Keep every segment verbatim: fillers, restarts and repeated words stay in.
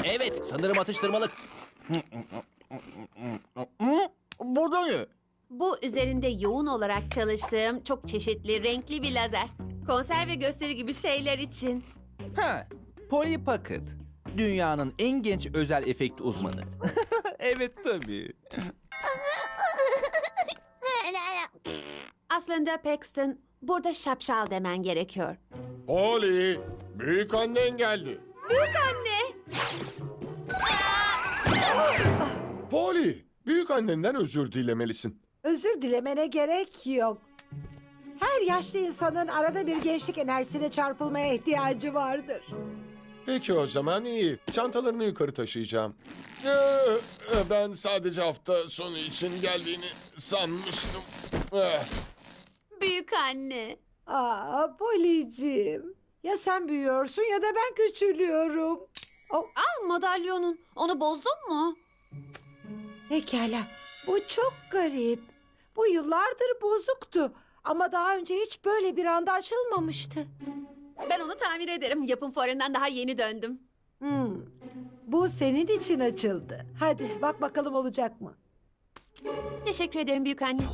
Evet, sanırım atıştırmalık. Burada ne? Bu üzerinde yoğun olarak çalıştığım çok çeşitli renkli bir lazer. Konser ve gösteri gibi şeyler için. Ha, Polly Pocket. Dünyanın en genç özel efekt uzmanı. Evet tabii. Aslında Paxton, burada şapşal demen gerekiyor. Polly, büyük annen geldi. Büyük anne! Polly, büyük annenden özür dilemelisin. Özür dilemene gerek yok. Her yaşlı insanın arada bir gençlik enerjisine çarpılmaya ihtiyacı vardır. Peki o zaman iyi. Çantalarını yukarı taşıyacağım. Ee, Ben sadece hafta sonu için geldiğini sanmıştım. Eh, Büyük anne. Aa, Polly'ciğim. Ya sen büyüyorsun ya da ben küçülüyorum. Oh, Ah, madalyonun. Onu bozdun mu? pekala. Bu çok garip. Bu yıllardır bozuktu. Ama daha önce hiç böyle bir anda açılmamıştı. Ben onu tamir ederim. Yapım fuarından daha yeni döndüm. Hmm. Bu senin için açıldı. Hadi bak bakalım olacak mı? Teşekkür ederim büyük anne.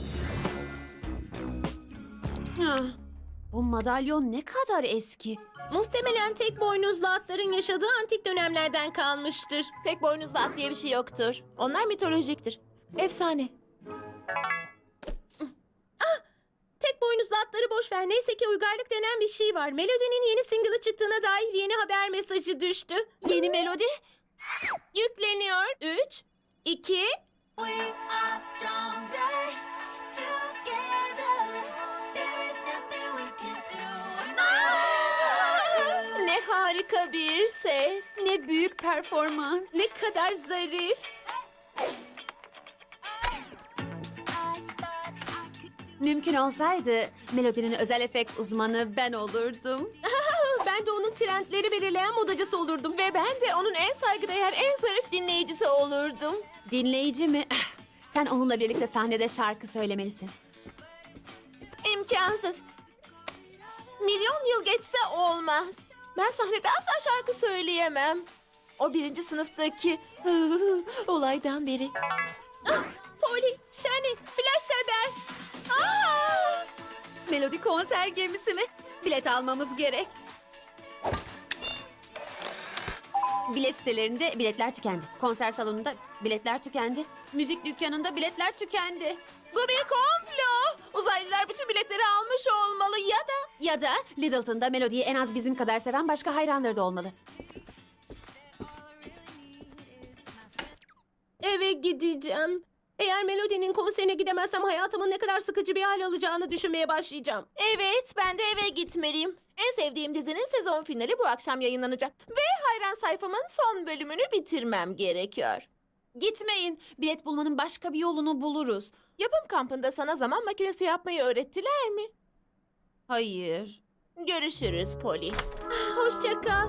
Ah, bu madalyon ne kadar eski. Muhtemelen tek boynuzlu atların yaşadığı antik dönemlerden kalmıştır. Tek boynuzlu at diye bir şey yoktur. Onlar mitolojiktir. Efsane. Tek boynuzlu atları boş ver. Neyse ki uygarlık denen bir şey var. Melody'nin yeni single'ı çıktığına dair yeni haber mesajı düştü. Yeni melodi? Yükleniyor. Üç, iki... We are stronger together. There is nothing we can do. Ne harika bir ses. Ne büyük performans. Ne kadar zarif. Mümkün olsaydı melodinin özel efekt uzmanı ben olurdum. Ben de onun trendleri belirleyen modacısı olurdum. Ve ben de onun en saygıdeğer, en zarif dinleyicisi olurdum. Dinleyici mi? Ah, sen onunla birlikte sahnede şarkı söylemelisin. İmkansız. Milyon yıl geçse olmaz. Ben sahnede asla şarkı söyleyemem. O birinci sınıftaki olaydan beri. Ah, Polly, Shani, Flash haber. Aa! Melodi konser gemisi mi? Bilet almamız gerek. Bilet sitelerinde biletler tükendi. Konser salonunda biletler tükendi. Müzik dükkanında biletler tükendi. Bu bir komplo. Uzaylılar bütün biletleri almış olmalı ya da... Ya da Littleton'da melodiyi en az bizim kadar seven başka hayranları da olmalı. Eve gideceğim. Eğer Melody'nin konserine gidemezsem hayatımın ne kadar sıkıcı bir hal alacağını düşünmeye başlayacağım. Evet, ben de eve gitmeliyim. En sevdiğim dizinin sezon finali bu akşam yayınlanacak. Ve hayran sayfamın son bölümünü bitirmem gerekiyor. Gitmeyin. Bilet bulmanın başka bir yolunu buluruz. Yapım kampında sana zaman makinesi yapmayı öğrettiler mi? Hayır. Görüşürüz Polly. Hoşça kal.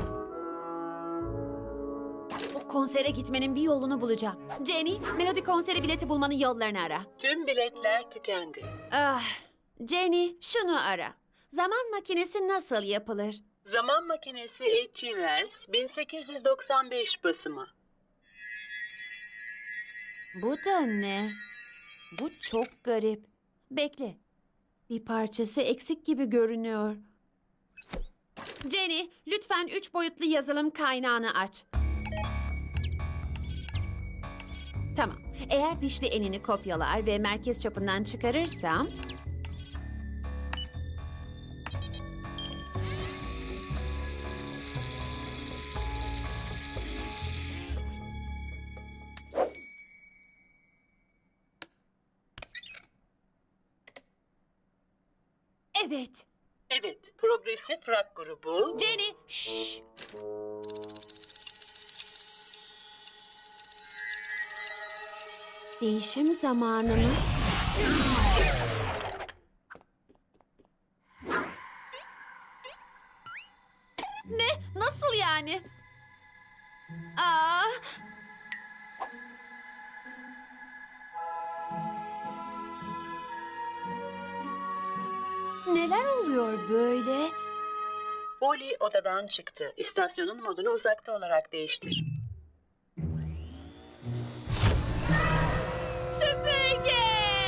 O konsere gitmenin bir yolunu bulacağım. Jenny, Melodi konseri bileti bulmanın yollarını ara. Tüm biletler tükendi. Ah, Jenny, şunu ara. Zaman makinesi nasıl yapılır? Zaman makinesi H G. Wells bin sekiz yüz doksan beş basımı. Bu da ne? Bu çok garip. Bekle. Bir parçası eksik gibi görünüyor. Jenny, lütfen üç boyutlu yazılım kaynağını aç. Tamam. Eğer dişli enini kopyalar ve merkez çapından çıkarırsam... Evet. Evet, progresif rock grubu Jenny, şşş. Değişim zamanı mı? Ne? Nasıl yani? Aa! Neler oluyor böyle? Polly odadan çıktı. İstasyonun modunu uzakta olarak değiştir. Süpürge!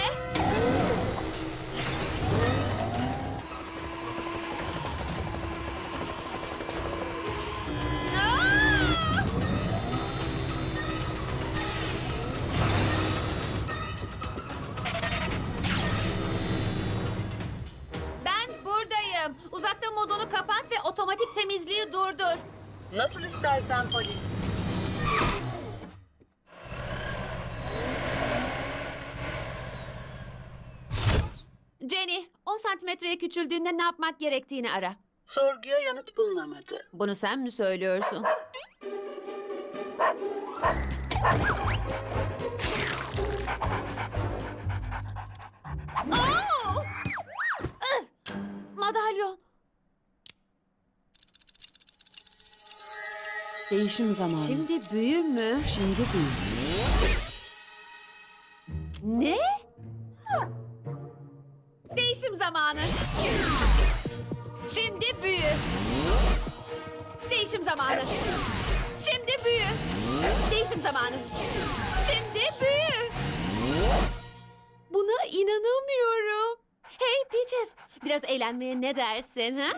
Ben buradayım. Uzakta modunu kapat ve otomatik temizliği durdur. Nasıl istersen Polly. Jenny, on santimetreye küçüldüğünde ne yapmak gerektiğini ara. Sorguya yanıt bulunamadı. Bunu sen mi söylüyorsun? Oo! Ih! Madalyon. Değişim zamanı. Şimdi büyü mü? Şimdi değil. Ne? Değişim zamanı. Şimdi büyü. Değişim zamanı. Şimdi büyü. Değişim zamanı. Şimdi büyü. Buna inanamıyorum. Hey Peaches, biraz eğlenmeye ne dersin ha?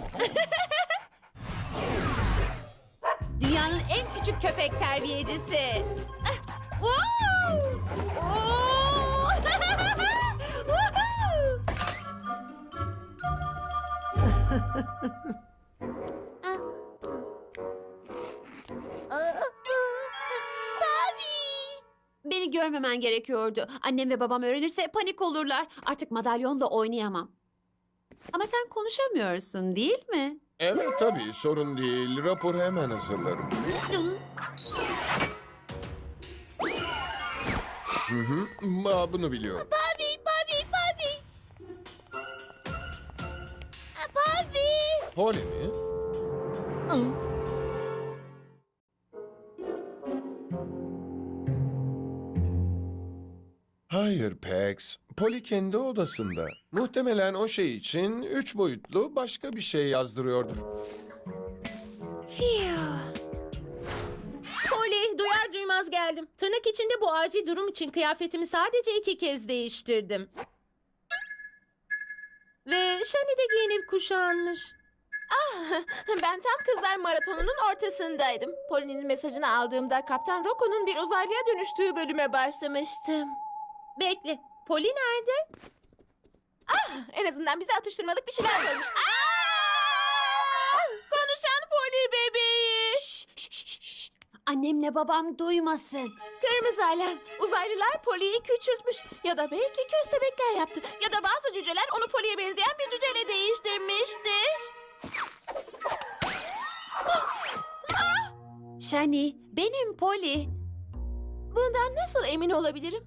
Dünyanın en küçük köpek terbiyecisi. Ah, wow! Oo! Woohoo! Beni görmemen gerekiyordu. Annem ve babam öğrenirse panik olurlar. Artık madalyonla oynayamam. Ama sen konuşamıyorsun değil mi? Evet tabii sorun değil. Raporu hemen hazırlarım. Hı hı. Aa, bunu biliyorum. Papi, papi, papi. Papi. Polly mi? Hayır Pax. Polly kendi odasında. Muhtemelen o şey için üç boyutlu başka bir şey yazdırıyordur. Polly, duyar duymaz geldim. Tırnak içinde bu acil durum için kıyafetimi sadece iki kez değiştirdim. Ve Shani de giyinip kuşanmış. Ben tam kızlar maratonunun ortasındaydım. Polly'nin mesajını aldığımda Kaptan Rocco'nun bir uzaylıya dönüştüğü bölüme başlamıştım. Bekle, Polly nerede? En azından bize atıştırmalık bir şeyler koymuş. Aa! Konuşan Polly bebeği. Annemle babam duymasın. Kırmızı alarm. Uzaylılar Polly'yi küçültmüş. Ya da belki köstebekler yaptı. Ya da bazı cüceler onu Polly'ye benzeyen bir cüceyle değiştirmiştir. Shani, benim Polly. Bundan nasıl emin olabilirim?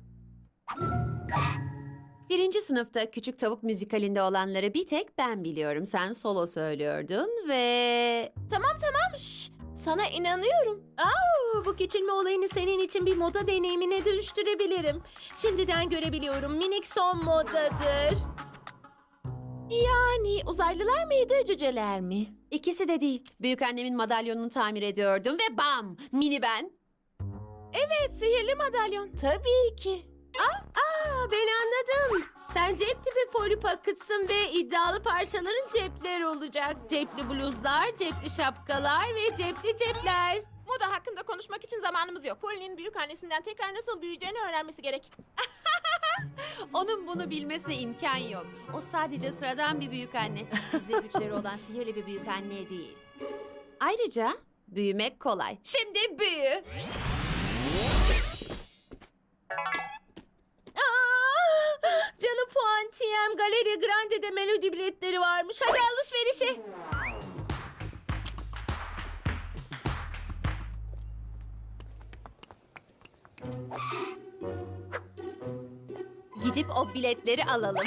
Birinci sınıfta Küçük Tavuk müzikalinde olanları bir tek ben biliyorum. Sen solo söylüyordun ve... Tamam tamam. Şş, sana inanıyorum. Aa, bu küçülme olayını senin için bir moda deneyimine dönüştürebilirim. Şimdiden görebiliyorum, minik son modadır. Yani uzaylılar mıydı, cüceler mi? İkisi de değil. Büyükannemin madalyonunu tamir ediyordum ve bam! Mini ben. Evet, sihirli madalyon. Tabii ki. Aa, ben anladım. Sen cep tipi Polly Pocket'sın ve iddialı parçaların cepler olacak. Cepli bluzlar, cepli şapkalar ve cepli cepler. Moda hakkında konuşmak için zamanımız yok. Polly'nin büyük annesinden tekrar nasıl büyüyeceğini öğrenmesi gerek. Onun bunu bilmesine imkan yok. O sadece sıradan bir büyükanne. Gizli güçleri olan sihirli bir büyükanne değil. Ayrıca büyümek kolay. Şimdi büyü. Aa, canım puantiyem, Galeri Grande'de melodi biletleri varmış. Hadi alışverişe. Gidip o biletleri alalım.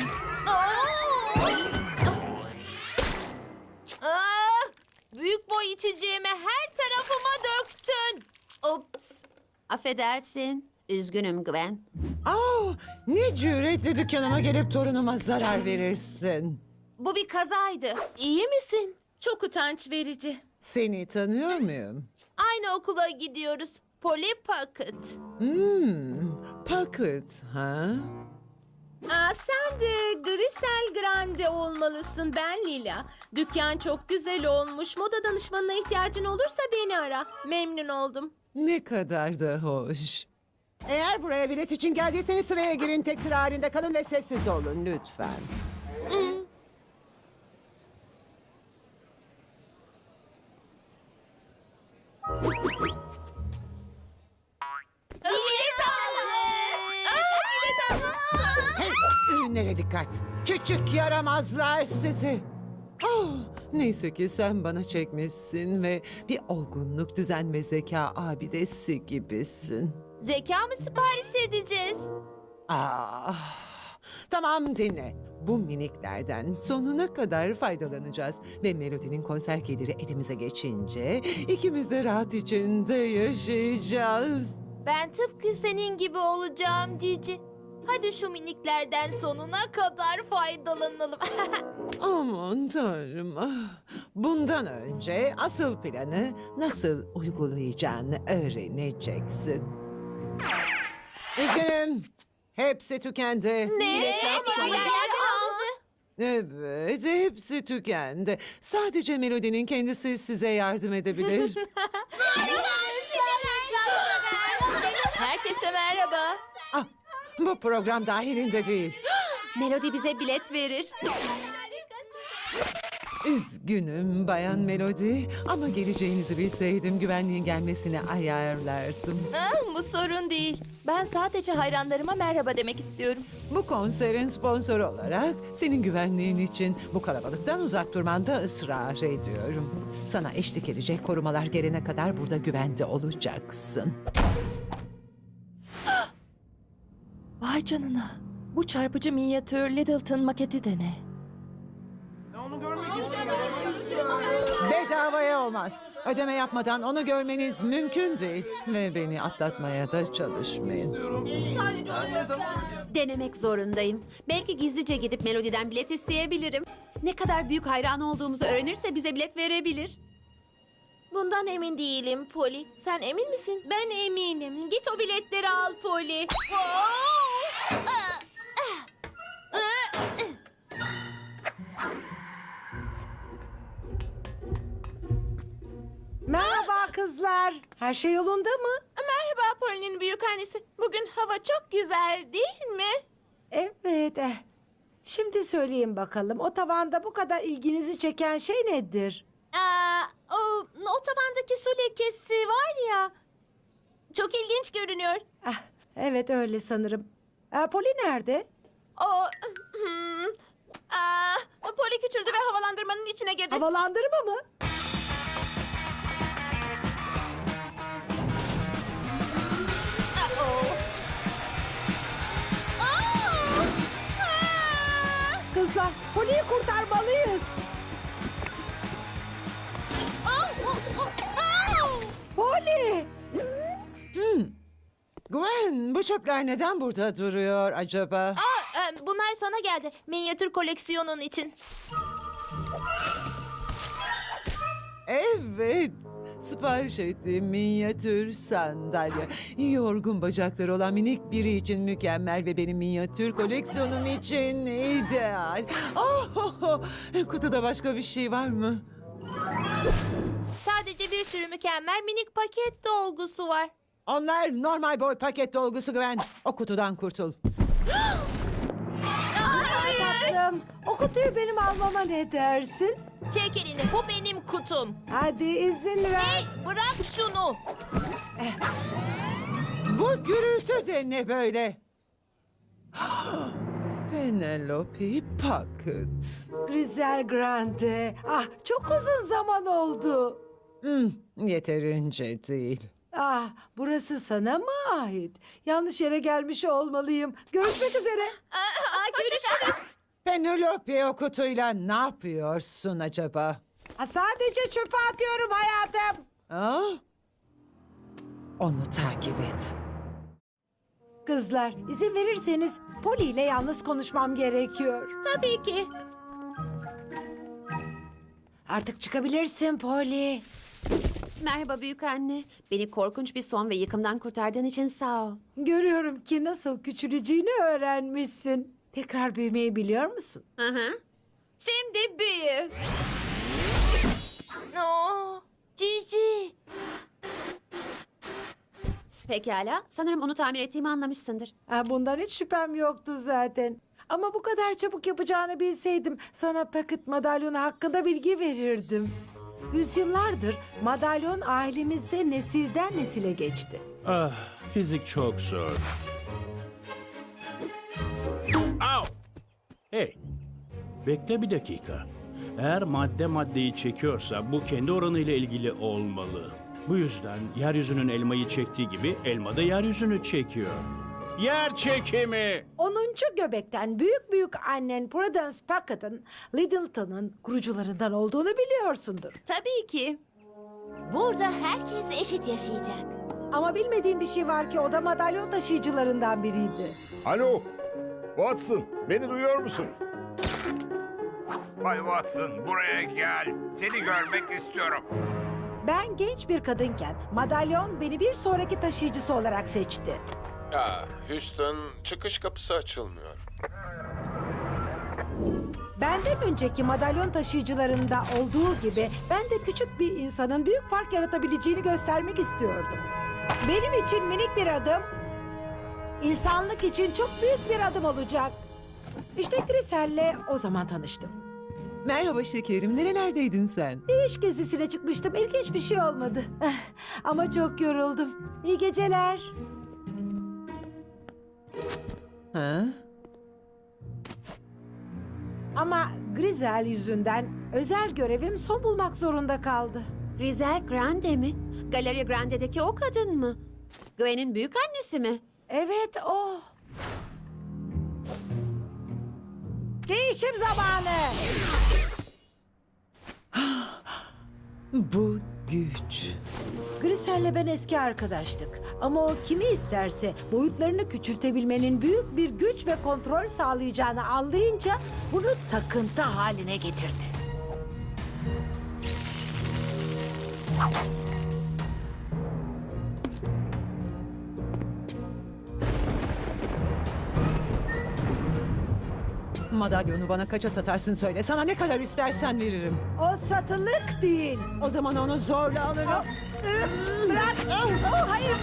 Aa, büyük boy içeceğimi her tarafıma döktün. Ups. Affedersin. Üzgünüm Gwen. Aa, ne cüretle dükkanıma gelip torunuma zarar verirsin. Bu bir kazaydı. İyi misin? Çok utanç verici. Seni tanıyor muyum? Aynı okula gidiyoruz. Polly Pocket. Hmm, Pocket, ha? Aa, sen de Grisel Grande olmalısın. Ben Lila. Dükkan çok güzel olmuş. Moda danışmanına ihtiyacın olursa beni ara. Memnun oldum. Ne kadar da hoş. Eğer buraya bilet için geldiyseniz sıraya girin. Tek sıra halinde kalın ve sessiz olun lütfen. Hey, ürünlere dikkat. Küçük yaramazlar sizi. Oh, neyse ki sen bana çekmişsin ve bir olgunluk, düzen ve zeka abidesi gibisin. Zeka mı sipariş edeceğiz? Ah, tamam dinle. Bu miniklerden sonuna kadar faydalanacağız. Ve Melody'nin konser geliri elimize geçince ikimiz de rahat içinde yaşayacağız. Ben tıpkı senin gibi olacağım Cici. Hadi şu miniklerden sonuna kadar faydalanalım. Aman tanrım. ah. Bundan önce asıl planı nasıl uygulayacağını öğreneceksin. Üzgünüm. Hepsi tükendi. Ne? Ama yerden aldı. Evet, hepsi tükendi. Sadece Melody'nin kendisi size yardım edebilir. Herkese merhaba. ah, bu program dahilinde değil. Melody bize bilet verir. Üzgünüm Bayan Melody ama geleceğinizi bilseydim güvenliğin gelmesini ayarlardım. Bu sorun değil. Ben sadece hayranlarıma merhaba demek istiyorum. Bu konserin sponsoru olarak senin güvenliğin için bu kalabalıktan uzak durmanda ısrar ediyorum. Sana eşlik edecek korumalar gelene kadar burada güvende olacaksın. Vay canına. Bu çarpıcı minyatür Littleton maketi de ne? Bedavaya olmaz. Ödeme yapmadan onu görmeniz mümkün değil. Ve beni atlatmaya da çalışmayın. Denemek zorundayım. Belki gizlice gidip Melody'den bilet isteyebilirim. Ne kadar büyük hayran olduğumuzu öğrenirse bize bilet verebilir. Bundan emin değilim Polly. Sen emin misin? Ben eminim. Git o biletleri al Polly. Merhaba kızlar. Her şey yolunda mı? Merhaba Polly'nin büyük annesi. Bugün hava çok güzel değil mi? Evet. Eh. Şimdi söyleyin bakalım. O tavanda bu kadar ilginizi çeken şey nedir? Aa, o, o tavandaki su lekesi var ya. Çok ilginç görünüyor. Ah, evet öyle sanırım. Aa, Polly nerede? O... Hmm, aa, Polly küçüldü ve havalandırmanın içine girdi. Havalandırma mı? Kızlar, Polly'yi kurtarmalıyız. Polly! Gwen, bu çöpler neden burada duruyor acaba? Bunlar sana geldi. Minyatür koleksiyonun için. Evet. Sipariş ettiğim minyatür sandalye. Yorgun bacakları olan minik biri için mükemmel ve benim minyatür koleksiyonum için ideal. Oh, kutuda başka bir şey var mı? Sadece bir sürü mükemmel minik paket dolgusu var. Onlar normal boy paket dolgusu Gwen. O kutudan kurtul. Tatlım, o kutuyu benim almama ne dersin? Çek elini. Bu benim kutum. Hadi izin ver. Hey, bırak şunu. Bu gürültü de ne böyle? Penelope Pocket. Grizel Grande. Ah, çok uzun zaman oldu. Hmm, yeterince değil. Ah, burası sana mı ait? Yanlış yere gelmiş olmalıyım. Görüşmek üzere. Aa, görüşürüz. Penelope o kutuyla ne yapıyorsun acaba? Ha, sadece çöpe atıyorum hayatım. Ah? Onu takip et. Kızlar, izin verirseniz Polly ile yalnız konuşmam gerekiyor. Tabii ki. Artık çıkabilirsin Polly. Merhaba büyük anne. Beni korkunç bir son ve yıkımdan kurtardığın için sağ ol. Görüyorum ki nasıl küçüleceğini öğrenmişsin. Tekrar büyümeyi biliyor musun? Hı hı. Şimdi büyü. Oo, Cici. Pekala. Sanırım onu tamir ettiğimi anlamışsındır. Ha, bundan hiç şüphem yoktu zaten. Ama bu kadar çabuk yapacağını bilseydim sana paket madalyonu hakkında bilgi verirdim. Yüzyıllardır madalyon ailemizde nesilden nesile geçti. Ah, fizik çok zor. Au! Hey, bekle bir dakika. Eğer madde maddeyi çekiyorsa bu kendi oranıyla ilgili olmalı. Bu yüzden yeryüzünün elmayı çektiği gibi elma da yeryüzünü çekiyor. Yer çekimi! onuncu göbekten büyük büyük annen Prudence Packett'ın Littleton'ın kurucularından olduğunu biliyorsundur. Tabii ki. Burada herkes eşit yaşayacak. Ama bilmediğim bir şey var ki o da madalyon taşıyıcılarından biriydi. Alo, Watson, beni duyuyor musun? Bay Watson, buraya gel. Seni görmek istiyorum. Ben genç bir kadınken madalyon beni bir sonraki taşıyıcısı olarak seçti. Ya Houston, çıkış kapısı açılmıyor. Benden önceki madalyon taşıyıcılarında olduğu gibi ben de küçük bir insanın büyük fark yaratabileceğini göstermek istiyordum. Benim için minik bir adım, insanlık için çok büyük bir adım olacak. İşte Grisel'le o zaman tanıştım. Merhaba şekerim, nerelerdeydin sen? Bir iş gezisine çıkmıştım. İlginç bir şey olmadı. Ama çok yoruldum. İyi geceler. Ha? Ama Grisel yüzünden özel görevim son bulmak zorunda kaldı. Rizel Grande mi? Galeria Grande'deki o kadın mı? Gwen'in büyük annesi mi? Evet o. Değişim zamanı. Bu güç. Grisel'le ben eski arkadaştık. Ama o kimi isterse boyutlarını küçültebilmenin büyük bir güç ve kontrol sağlayacağını anlayınca bunu takıntı haline getirdi. Madalyonu bana kaça satarsın söyle. Sana ne kadar istersen veririm. O satılık değil. O zaman onu zorla alırım. Iı, Bırak. Oh, hayır.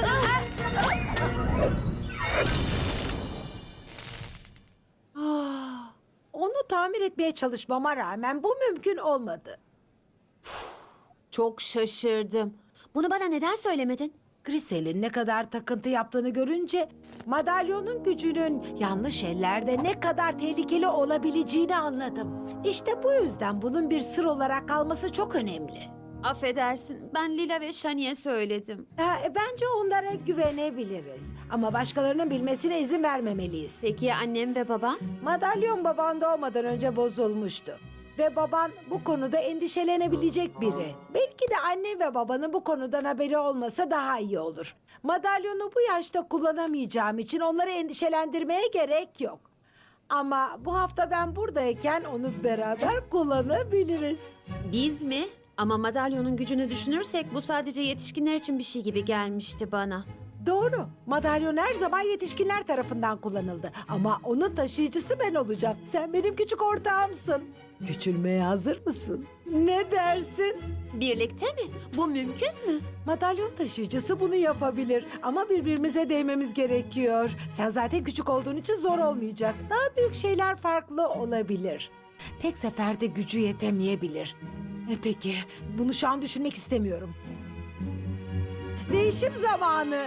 Ah, Onu tamir etmeye çalışmama rağmen bu mümkün olmadı. Çok şaşırdım. Bunu bana neden söylemedin? Grisel'in ne kadar takıntı yaptığını görünce madalyonun gücünün yanlış ellerde ne kadar tehlikeli olabileceğini anladım. İşte bu yüzden bunun bir sır olarak kalması çok önemli. Affedersin. Ben Lila ve Shani'ye söyledim. Ha, e, bence onlara güvenebiliriz. Ama başkalarının bilmesine izin vermemeliyiz. Peki ya annem ve babam? Madalyon baban doğmadan önce bozulmuştu. Ve baban bu konuda endişelenebilecek biri. Belki de anne ve babanın bu konudan haberi olmasa daha iyi olur. Madalyonu bu yaşta kullanamayacağım için onları endişelendirmeye gerek yok. Ama bu hafta ben buradayken onu beraber kullanabiliriz. Biz mi? Ama madalyonun gücünü düşünürsek bu sadece yetişkinler için bir şey gibi gelmişti bana. Doğru. Madalyon her zaman yetişkinler tarafından kullanıldı. Ama onun taşıyıcısı ben olacağım. Sen benim küçük ortağımsın. Küçülmeye hazır mısın? Ne dersin? Birlikte mi? Bu mümkün mü? Madalyon taşıyıcısı bunu yapabilir. Ama birbirimize değmemiz gerekiyor. Sen zaten küçük olduğun için zor olmayacak. Daha büyük şeyler farklı olabilir. Tek seferde gücü yetemeyebilir. E peki, bunu şu an düşünmek istemiyorum. Değişim zamanı.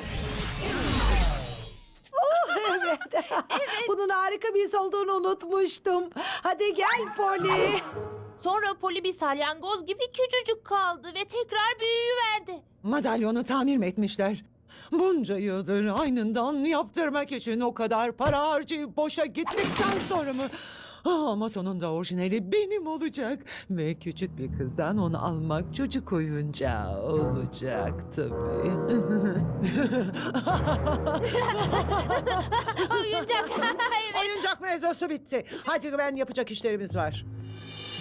Oh evet. evet. Bunun harika bir his olduğunu unutmuştum. Hadi gel Polly. Sonra Poli bir salyangoz gibi küçücük kaldı ve tekrar büyüyüverdi. Madalyonu tamir mi etmişler? Bunca yıldır aynından yaptırmak için o kadar para harcayıp boşa gittikten sonra mı? Ah, ama sonunda orijinali benim olacak. Ve küçük bir kızdan onu almak çocuk oyuncağı olacak tabii. Oyuncak. Oyuncak mevzusu bitti. Hadi ben yapacak işlerimiz var.